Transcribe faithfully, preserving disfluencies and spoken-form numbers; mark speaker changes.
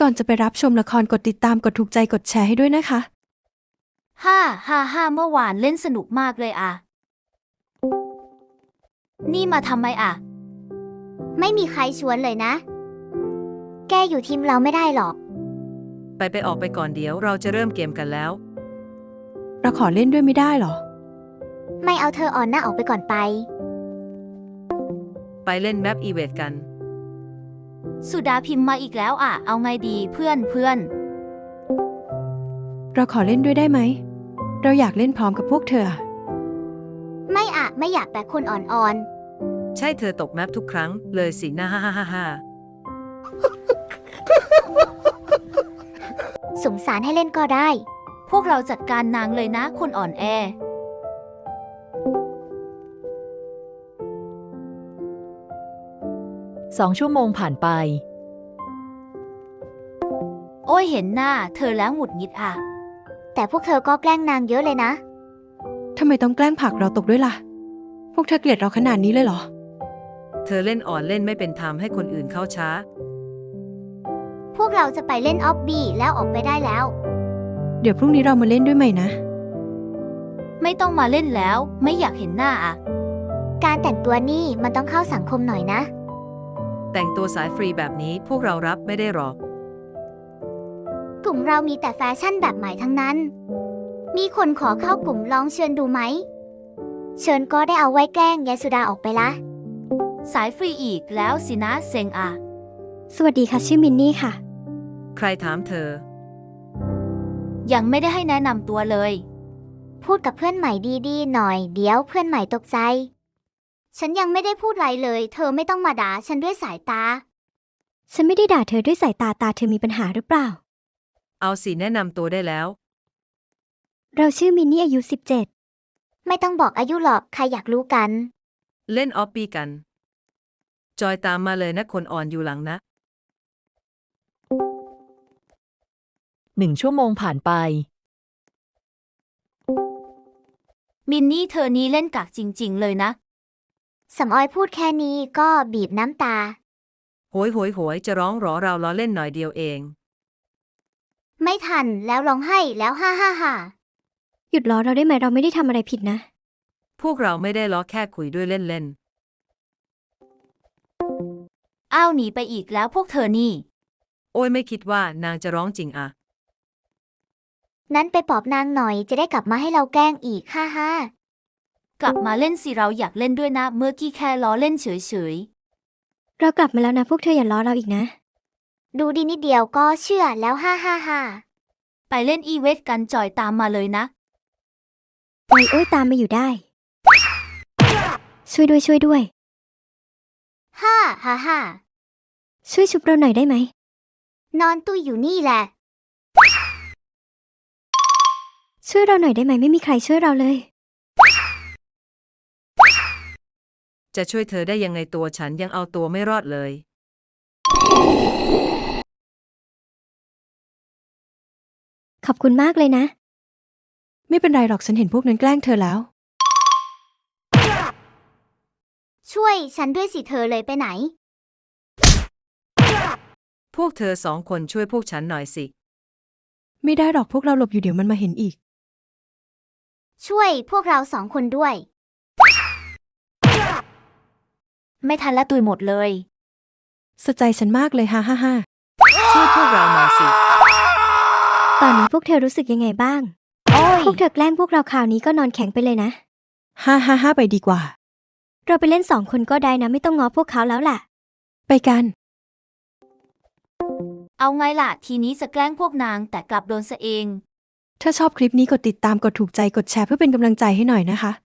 Speaker 1: ก่อนจะไปรับชมละครกดติดตามกดถูกใจกดแชร์ให้ด้วยนะคะ
Speaker 2: ฮ่าฮ่าฮ่าเมื่อวานเล่นสนุกมากเลยอะนี่มาทำไมอะ
Speaker 3: ไม่มีใครชวนเลยนะ แกอยู่ทีมเราไม่ได้หรอก
Speaker 4: ไปไปออกไปก่อนเดี๋ยวเราจะเริ่มเกมกันแล้ว
Speaker 1: เราขอเล่นด้วยไม่ได้หรอ
Speaker 3: ไม่เอาเธออ่อนหน้าออกไปก่อนไป
Speaker 4: ไปเล่นแมปอีเวทกัน
Speaker 2: สุดาพิมพ์มาอีกแล้วอะเอาไงดีเพื่อนเพื่อน
Speaker 1: เราขอเล่นด้วยได้ไหม เราอยากเล่นพร้อมกับพวกเธอ
Speaker 3: ไม่อะไม่อยากแบกคนอ่อน
Speaker 4: ใช่เธอตกแมปทุกครั้งเลยสินะฮ่าฮ่าฮ่าฮ่า
Speaker 3: ๆสงสารให้เล่นก็ได้
Speaker 2: พวกเราจัดการนางเลยนะคนอ่อนแอ
Speaker 5: สองชั่วโมงผ่านไป
Speaker 2: โอ้ยเห็นหน้าเธอแล้วหงุดหงิดอะ
Speaker 3: แต่พวกเธอก็แกล้งนางเยอะเลยนะ
Speaker 1: ทำไมต้องแกล้งผลักเราตกด้วยล่ะ พวกเธอเกลียดเราขนาดนี้เลยเหรอ
Speaker 4: เธอเล่นอ่อนเล่นไม่เป็นธรรมให้คนอื่นเข้าช้า
Speaker 3: พวกเราจะไปเล่นออฟบี้แล้วออกไปได้แล้ว
Speaker 1: เดี๋ยวพรุ่งนี้เรามาเล่นด้วยไหมนะ
Speaker 2: ไม่ต้องมาเล่นแล้วไม่อยากเห็นหน้าอะ
Speaker 3: การแต่งตัวนี่มันต้องเข้าสังคมหน่อยนะ
Speaker 4: แต่งตัวสายฟรีแบบนี้พวกเรารับไม่ได้หรอก
Speaker 3: กลุ่มเรามีแต่แฟชั่นแบบใหม่ทั้งนั้น มีคนขอเข้ากลุ่มลองเชิญดูไหม เชิญก็ได้เอาไว้แกล้งยายสุดาออกไปละ
Speaker 2: สายฟรีอีกแล้วสินะเซ็งอะ
Speaker 1: สวัสดีค่ะชื่อมินนี่ค่ะ
Speaker 4: ใครถามเธอ
Speaker 2: ยังไม่ได้ให้แนะนำตัวเลย
Speaker 3: พูดกับเพื่อนใหม่ดีๆหน่อยเดี๋ยวเพื่อนใหม่ตกใจ ฉันยังไม่ได้พูดอะไรเลย เธอไม่ต้องมาด่าฉันด้วยสายตา
Speaker 6: ฉันไม่ได้ด่าเธอด้วยสายตาตาเธอมีปัญหาหรือเปล่า
Speaker 4: เอาสิแนะนำตัวได้แล้ว
Speaker 6: เราชื่อมินนี่อายุสิบเจ็ด
Speaker 3: ไม่ต้องบอกอายุหรอกใครอยากรู้กัน
Speaker 4: เล่นออฟปี้กัน จอยตามมาเลยนะคนอ่อนอยู่หลังนะ
Speaker 5: หนึ่งชั่วโมงผ่านไป
Speaker 2: มินนี่เธอนี้เล่นกากจริงๆเลยนะ
Speaker 3: สำออยพูดแค่นี้ก็บีบน้ำตา
Speaker 4: โหยโหยโหยจะร้องหรอเราล้อเล่นหน่อยเดียวเอง
Speaker 3: ไม่ทันแล้วร้องไห้แล้วฮ่าฮ่าฮ่า
Speaker 6: หยุดล้อเราได้ไหมเราไม่ได้ทำอะไรผิดนะ
Speaker 4: พวกเราไม่ได้ล้อแค่คุยด้วยเล่น
Speaker 2: อ้าวหนีไปอีกแล้วพวกเธอนี่
Speaker 4: ๆโอ้ยไม่คิดว่านางจะร้องจริงอะ
Speaker 3: นั้นไปปลอบนางหน่อยจะได้กลับมาให้เราแกล้งอีกฮ่าฮ่าก
Speaker 2: ลับมาเล่นสิเราอยากเล่นด้วยนะเมื่อกี้แค่ล้อเล่นเฉย
Speaker 6: เรากลับมาแล้วนะพวกเธออย่าล้อเราอีกนะ
Speaker 3: ดูดีนิดเดียวก็เชื่อแล้วฮ่าฮ่าฮ่า
Speaker 2: ๆไปเล่นอีเวทกันจอยตามมาเลยนะ
Speaker 6: โอ้ยโอ้ยตามมาอยู่ได้ ช่วยด้วยช่วยด้วย
Speaker 3: ฮ่าฮ่าฮ่า
Speaker 6: ช่วยชุบเราหน่อยได้ไหม
Speaker 3: นอนตุ้ยอยู่นี่แหละ
Speaker 6: ช่วยเราหน่อยได้ไหมไม่มีใครช่วยเราเลย
Speaker 4: จะช่วยเธอได้ยังไงตัวฉันยังเอาตัวไม่รอดเลย
Speaker 6: ขอบคุณมากเลยนะ
Speaker 1: ไม่เป็นไรหรอกฉันเห็นพวกนั้นแกล้งเธอแล้ว
Speaker 3: ช่วยฉันด้วยสิเธอเลยไปไหน
Speaker 4: พวกเธอสองคนช่วยพวกฉันหน่อยสิ
Speaker 1: ไม่ได้หรอกพวกเราหลบอยู่เดี๋ยวมันมาเห็นอีก
Speaker 3: ช่วยพวกเราสองคนด้วย
Speaker 2: ไม่ทันละตุยหมดเลย
Speaker 1: สะใจฉันมากเลยฮ่าฮ่าฮ่า
Speaker 4: ช่วยพวกเราหน่อยสิ
Speaker 6: ตอนนี้พวกเธอรู้สึกยังไงบ้าง
Speaker 2: โอ้ย
Speaker 6: พวกเธอแกล้งพวกเราคราวนี้ก็นอนแข็งไปเลยนะ
Speaker 1: ฮ่าฮ่าฮ่าไปดีกว่า
Speaker 6: เราไปเล่นสองคนก็ได้นะไม่ต้องง้อพวกเขาแล้วล่ะ
Speaker 1: ไปกัน
Speaker 2: เอาไงล่ะทีนี้จะแกล้งพวกนางแต่กลับโดนซะเอง
Speaker 1: ถ้าชอบคลิปนี้กดติดตามกดถูกใจกดแชร์เพื่อเป็นกำลังใจให้หน่อยนะคะ